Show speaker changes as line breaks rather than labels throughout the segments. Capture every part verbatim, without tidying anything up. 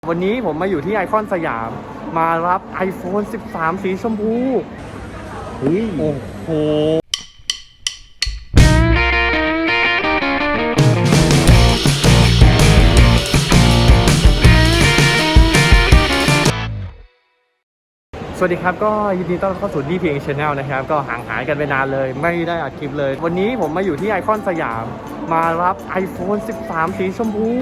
วันนี้ผมมาอยู่ที่ไอคอนสยามมารับ ไอโฟน สิบสาม สีชมพูเฮ้ยโอ้โหสวัสดีครับก็ยินดีต้อนรับเข้าสู่ ดี พี เอ็น Channel นะครับก็ห่างหายกันไปนานเลยไม่ได้อัดคลิปเลยวันนี้ผมมาอยู่ที่ไอคอนสยามมารับ ไอโฟน สิบสาม สีชมพู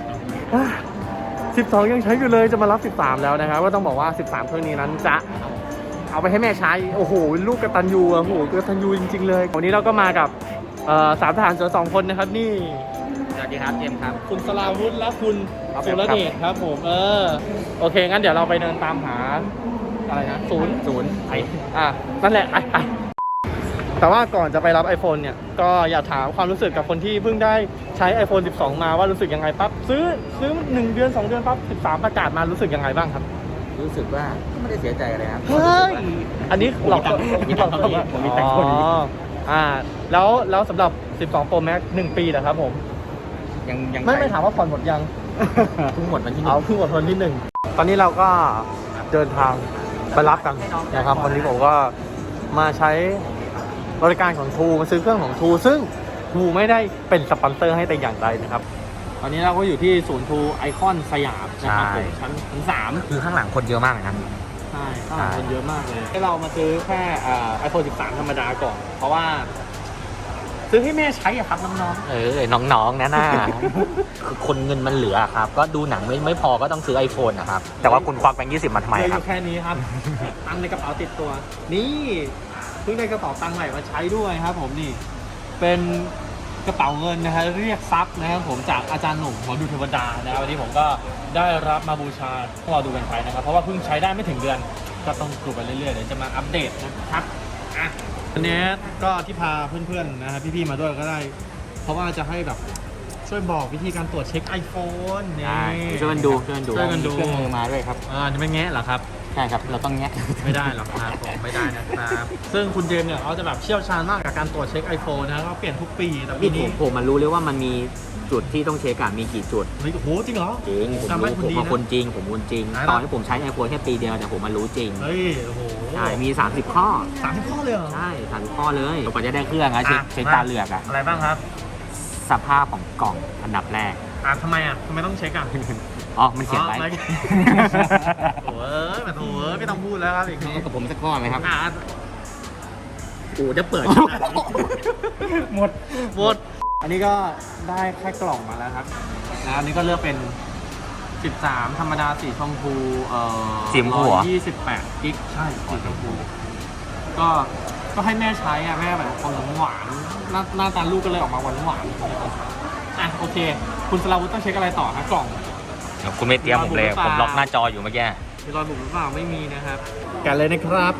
สิบสองยังใช้อยู่เลยจะมารับสิบสามแล้วนะครับก็ต้องบอกว่าสิบสามเครื่องนี้นั้นจะเอาไปให้แม่ใช้โอ้โหลูกกตัญญูโอ้โหกตัญญูจริงๆเลยวันนี้เราก็มากับสามทหารเสือสองคนนะครับนี่
สวัสดีครับเจมส์ครับ
คุณสราวุธและคุณสุรเดชครับผมเออโอเคงั้นเดี๋ยวเราไปเดินตามหาอะไรนะศูนย์ศูนย์ไออ่ะนั่นแหละไอแต่ว่าก่อนจะไปรับ iPhone เนี่ยก็อยากถามความรู้สึกกับคนที่เพิ่งได้ใช้ ไอโฟน สิบสอง มาว่ารู้สึกยังไงปั๊บซื้อซื้อหนึ่งเดือนสองเดือนปั๊บสิบสามประกาศมารู้สึกยังไงบ้างครับ
รู้สึกว่าก็ไม่ได้เสียใจอะไรครับ
เฮ้ยอันนี้หลอกมีตังค์คนนี้ผมมีตังค์คนนี้อ่าแล้วแล้วสำหรับสิบสอง Pro Max หนึ่งปีนะครับผม
ยังยัง
ไม่ไม่ถามว่าผ่อนหมดยัง
เพิ่งหมดวันที่หนึ่ง
เอาเพิ่งหมดวันที่หนึ่งตอนนี้เราก็เดินทางไปรับกันนะครับวันนี้ผมก็มาใช้บริการของทูมาซื้อเครื่องของทูซึ่งทูไม่ได้เป็นสปอนเซอร์ให้แต่อย่างใดนะครับตอนนี้เราก็อยู่ที่ศูนย์ทูไอคอนสยามนะครับผมชั้นชั้นสาม
คือข้างหลังคนเยอะมากนะครับ
ใช่ข้างหลังคนเยอะมากเลยให้เรามาซื้อแค่ไอโฟนสิบสามธรรมดาก่อนเพราะว่าซื้อให้แม่ใช้อะครับน้องๆ
เออน้องๆนะน่าคือคนเงินมันเหลือครับก็ดูหนังไม่ไม่พอก็ต้องซื้อ iPhone นะครับแต่ว่าคุณควักแบงค์ยี่สิบมาทำไมครับ
แค่นี้ครับตังค์ในกระเป๋าติดตัวนี่เพิ่งได้กระเป๋าตังค์ใหม่มาใช้ด้วยครับผมนี่เป็นกระเป๋าเงินนะฮะเรียกทรัพย์นะครับผมจากอาจารย์หนุ่มหมอดูเทวดานะครับวันนี้ผมก็ได้รับมาบูชาพวกเราดูกันไปนะครับเพราะว่าเพิ่งใช้ได้ไม่ถึงเดือนก็ต้องดูไปเรื่อยๆเดี๋ยวจะมาอัปเดตนะครับอ่ะวันนี้ก็ที่พาเพื่อนๆนะครับพี่ๆมาด้วยก็ได้เพราะว่าจะให้แบบช่วยบอกวิธีการตรวจเช็ค iPhone นี่
ช่วยกันดูช่วยกันดู
ช่วยกันดู
เครื่องมือมาด้วยครับ
อ่าจะไม่แงะเหรอครับ
ใช่ครับเราต้องแงะ
ไม่ได้หรอกครับผมไม่ได้นะครับซึ่งคุณเจมส์เนี่ยเขาจะแบบเชี่ยวชาญมากกับการตรวจเช็ค iPhone นะเขาเปลี่ยนทุกปีแต่ปีนี้
ผมมารู้เลยว่ามันมีจุดที่ต้องเช็คอะมีกี่จุด
เฮ้ยโอ้โหจริงเหรอ
จริงผมรู้ผมเป็นคนจริงผมคนจริงตอนที่ผมใช้ iPhone แค่ปีเดียวแต่ผมมารู้จริง
เฮ้ยโอ้โห
ใช่มีสามสิบข้อ
สามสิบข้อเลยเหรอ
ใช่สามสิบข้อเลยกว่าจะได้เครื่องอะเช็คเช็คตาเหลือกอะ
อะไรบ้างครับ
สภาพของกล่องอันดับแรก
อ่ะทำไมอ่ะทำไมต้องเช็คอ่ะ
อ๋อมันเขียนไว้
โอ้ยมาโถไม่ต้องพูดแล้วครับอีกที
กับผมสักข้อไหมครับ
โอ้จะเปิดหมดหมดอันนี้ก็ได้แค่กล่องมาแล้วครับนะอันนี้ก็เลือกเป็นสิบสามธรรมดาสีชมพูเอ่อ
สีชมพูเหรอ
ยี่สิบแปดกิกใช่สีชมพูก็ก็ให้แม่ใช้อ่ะแม่แบบคนหวานหน้าหน้าตาลูกก็เลยออกมาหวานหวานอ่ะโอเคคุณสราวุธต้องเช็คอะไรต่อครับกล่อง
คุณไม่เตรียมผมเลยผมล็อกหน้าจออยู่เมื่อกี้
มีรอยบุบหรือเปล่าไม่มีนะครับแกะเลยนะครับ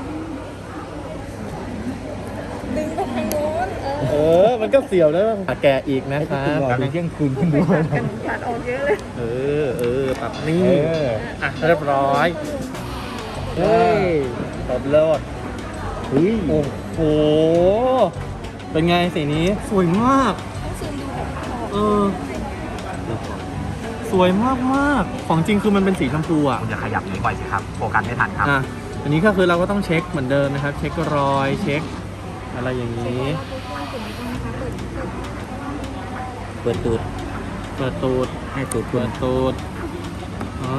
ดึงไปทางโน้น
เออมันก็เสียวได้แกะอีกนะครับ
การเที่ยงคืนขึ้นดู
กันขาดออกเยอะเลย
เออเออปรับนี่อ่ะเรียบร้อยเฮ้ยตบเลิศเฮ้ยโอ้โหเป็นไงสีนี้สวยมาก
ต้องซูมดูแบบ
เออสวยมากมากของจริงคือมันเป็นสีชมพูอ่ะ
คุณจะขยับนี้บ่อยสิครับโฟกัสไม่ทันครับ
อ่ะอันนี้ก็คือเราก็ต้องเช็คเหมือนเดิมนะครับเช็ครอยเช็คอะไรอย่างนี้
เปิดตูด
เปิดตูด
ให้ตูด
เปิดตูดอ๋อ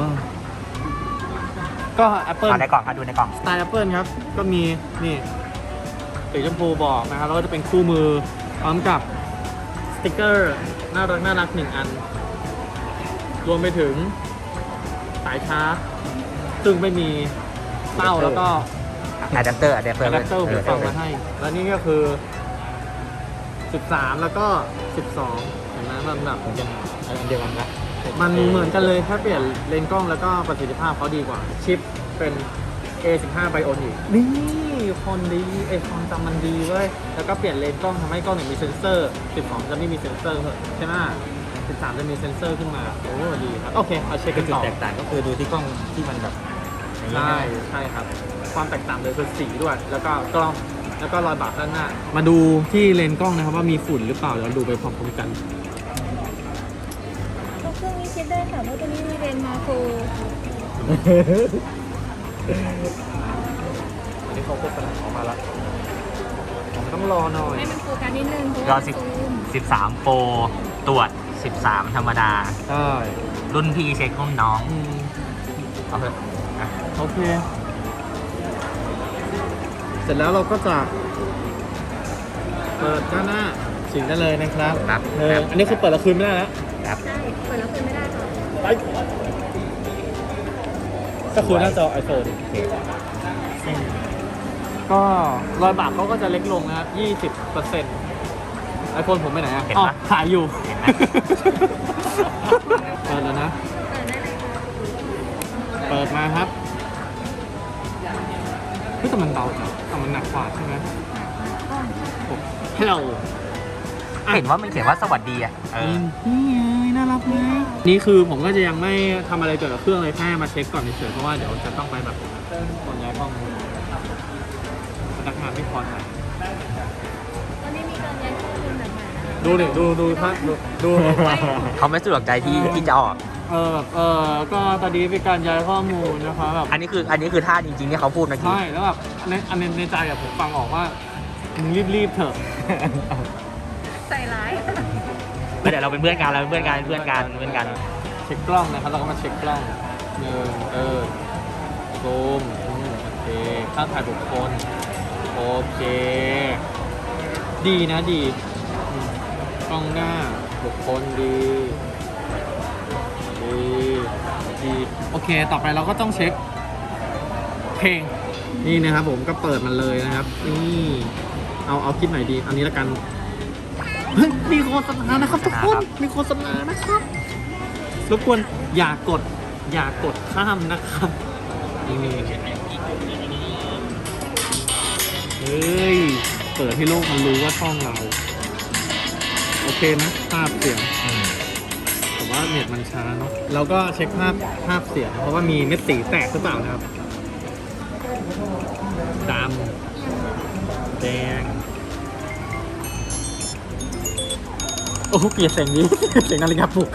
ก็ Apple
ในกล่องครับดูในกล่อง
สไตล์ Apple ครับก็มีนี่สีชมพูบอกนะครับแล้วก็จะเป็นคู่มือพร้อมกับสติ๊กเกอร์น่ารักน่ารักหนึ่งอันรวมไปถึงสายชาร์จซึ่งไม่มีเต้าแล้วก็
อะแดปเตอร์อะแดปเตอร์
อะแดปเตอร์หูฟังมาให้แล้วนี่ก็คือสิบสามแล้วก็สิบสองเห็นไหมมันแบบ
อันเดียวกันนะ
มันเหมือนกันเลยแค่เปลี่ยนเลนส์กล้องแล้วก็ประสิทธิภาพเขาดีกว่าชิปเป็น เอ สิบห้า Bionic นี่คนดีไอความจำมันดีเว้ยแล้วก็เปลี่ยนเลนส์กล้องทำให้กล้องเนี่ยมีเซ็นเซอร์สิบสองจะไม่มีเซ็นเซอร์ใช่ไหมสิบสามจะมีเซ็นเซอร์ขึ้นมาโอ้ดีครับโอเคเอาเช็คกันต่อ
จุดแตกต่างก็คือดูที่กล้องที่มันแบบ
ใช่ใช่ครับความแตกต่างเลยคือสีด้วยแล้วก็กล้องแล้วก็รอยบากด้านหน้ามาดูที่เลนส์กล้องนะครับว่ามีฝุ่นหรือเปล่าเดี๋ยวดูไปพร้อมๆกัน
เครื่องนี้เช็คได้ค่ะเพราะตัวนี้มีเรนมาโคร
อันนี้เขาโฆษณาออกมาแล้วผมต้องรอหน่อย
ให้มันโฟกัสนิดนึงเพราะ
ก็
ว่า
สิบ
ซูม
สิบสามโปรตรวจสิบสามธรรมดา
ใช่
รุ่นพี่เช็ครุ่นน้อง
อืม
เอาเถอะอ่ะ
โอเค เสร็จแล้วเราก็จะเปิดด้านหน้าสิ่งได้เลยนะครับ
ครับ
เอออันนี้คือเปิดแล้วคืนไม่ได้แล้ว
ครับ
ใช่เปิดแล้วคืนไม่ได้ค่ะ
ไปก็คือหน้าจอ iPhone
โอเค
ก็รอยบากเขาก็จะเล็กลงนะครับ ยี่สิบเปอร์เซ็นต์ ไอโฟนผมไปไหนอ่ะ
เห็น
อ๋อ
ปะ
ถ่ายอยู่
เห็นไหม
เปิดแล้วนะ
เปิดได้เลยค่ะ
เปิดมาครับเฮ้ยแต่มันเบาจังแต่มันหนักกว่าใช่ไหม
อ๋อ
ฮัลโหล
เห็นว่ามันเขียนว่าสวัสดีอ่ะเออ
นี่ไงน่ารักไหมนี่คือผมก็จะยังไม่ทำอะไรเกี่ยวกับเครื่องเลยแค่มาเช็คก่อนเฉยๆเพราะว่าเดี๋ยวจะต้องไปแบบคนย้ายห้องพนักงานไม่พอใจ
วันนี้มีการย้ายข้อมูลแบบใหม่นะคะ
ดูดิดูดูท่านดูดู
เขาไม่สะดวกใจที่ที่จะออก
เออแบบเออก็ตอนนี้เป็นการย้ายข้อมูลนะคะแบบ
อันนี้คืออันนี้คือท่าจริงๆที่เขาพูดเมื่อกี้
ใช่แล้วแบบในอันในในใจอะผมฟังออกว่ามึงรีบๆเถอะ
ใส่ร้าย
แล้วเดี๋ยวเราเป็นเพื่อนกันเราเป็นเพื่อนกันเพื่อนกันเพื่อนกัน
เช็คกล้องนะครับเราก็มาเช็คกล้องหนึ่งเออซูมอืมโอเคค่าถ่ายบุคคลโอเค ดีนะดีอืมกล้องหน้าบุคคลดีดีดีโอเค ต่อไปเราก็ต้องเช็คเพลงนี่นะครับผมก็เปิดมันเลยนะครับนี่เอาเอาคลิปไหนดีอันนี้ละกันเฮ้ยมีโฆษณานะครับทุกคนมีโฆษณานะครับรบกวนอย่ากดอย่ากดข้ามนะครับนี่เฮ้ยเปิดให้โลกมันรู้ว่าช่องเราโอเคนะภาพเสียง
อืม
แต่ว่าเน็ตมันช้าเนาะเราก็เช็คภาพภาพเสียงเพราะว่ามีเม็ดสีแตกหรือเปล่านะครับดำแดงโอ้โหเกลียดเสียงนี้ เสียงนาฬิกาปลุก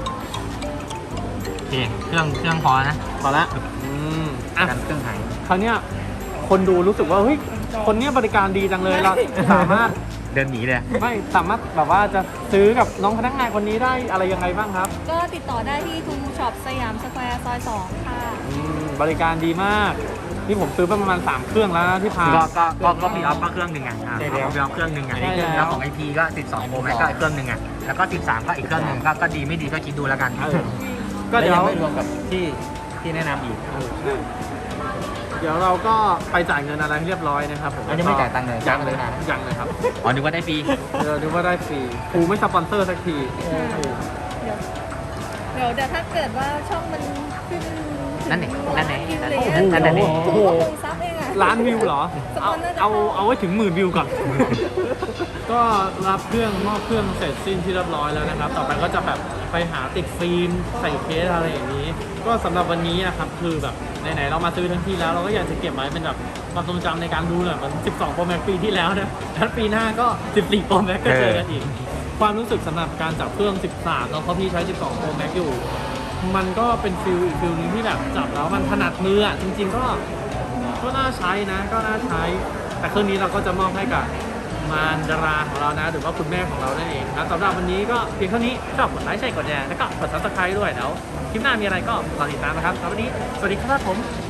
โอเคเครื่องเครื่องพอนะ
พอละอืมอ่ะ
กันเครื่องหาย
คราวเนี้ยคนดูรู้สึกว่าเฮ้ยคนเนี้ยบริการดีจังเลยเราสามารถ
เดินหนีเลย
ไม่สามารถแบบว่าจะซื้อกับน้องพนักงานคนนี้ได้อะไรยังไงบ้างครับ
ก็ติดต่อได้ที่ทูช็อปสยามสแควร์ซอยสองค่ะ
อืมบริการดีมากนี่ผมซื้อไปประมาณสามเครื่องแล้วนะที่พา
ก็ก็ก็ก็พี่ออฟก็เครื่องหนึ่งอ่ะอ่ะ
ใช่แล้ว
พี่ออฟเครื่องหนึ่งอ่ะ
ใช่แล้ว
แล้วของไอพีก็สิบสองโปรแม็กก็อีกเครื่องหนึ่งอ่ะแล้วก็สิบสามก็อีกเครื่องหนึ่งก็ก็ดีไม่ดีก็คิดดูแล้วกัน
เออก็เดี๋ยว
ไม่รวมกับที่ที่แนะนำอีก
เออใช่เดี๋ยวเราก็ไปจ่ายเงินอะไรให้เรียบร้อยนะครับผม
อันนี้ไม่จ่ายตังค์เลย
ยังเลย
จ่าย
นะ
เลยนะ
ยังเลยครับ
อ๋อนึกว่าได้ฟรี
เดี๋ยวดูว่าได้ฟรีครูไม่สปอนเซอร์สักที
เดี๋ยวเดี๋ยวเดี๋ยวถ้าเกิดว่าช่องมันขึ้น
นั่นเองนั่นเอง
วิว
นั่น
เลย
เอง
อะ
นั่นเอง
โอ้โห
หกซับเองอะ
ล้านวิวเหรอ เอาเอาเอาไว้ถึงหมื่นวิวก่อน ก็รับเครื่องมอบเครื่องเสร็จสิ้นที่เรียบร้อยแล้วนะครับ ต่อไปก็จะแบบไปหาติดฟิล์มใส่เคสอะไรอย่างนี้ ก็สำหรับวันนี้นะครับคือแบบไหนๆเรามาซื้อทั้งที่แล้วเราก็อยากจะเก็บไว้เป็นแบบความทรงจำในการดูหน่อยมันสิบสอง Pro Max ปีที่แล้วนะแล้วปีหน้าก็สิบสี่ Pro Max ก็เจอกันอีก ความรู้สึกสำหรับการจับเครื่องสิบสามเนาะเพราะพี่ใช้สิบสอง Pro Max อยู่ มันก็เป็นฟิลอีกฟิลนึงที่แบบจับแล้วมันถนัดมืออ่ะจริง ๆ ก็ก็น่าใช้นะ ก็น่าใช้ แต่เครื่องนี้เราก็จะมอบให้กับมารดาราของเรานะ หรือว่าคุณแม่ของเรานั่นเองนะสำหรับวันนี้ก็เพียงเท่านี้ชอบกดไลค์ใช่กดแชร์แล้วก็กด ซับสไครบ์ ด้วยแล้วคลิปหน้ามีอะไรก็รอติดตามนะครับสำหรับวันนี้สวัสดีครับผม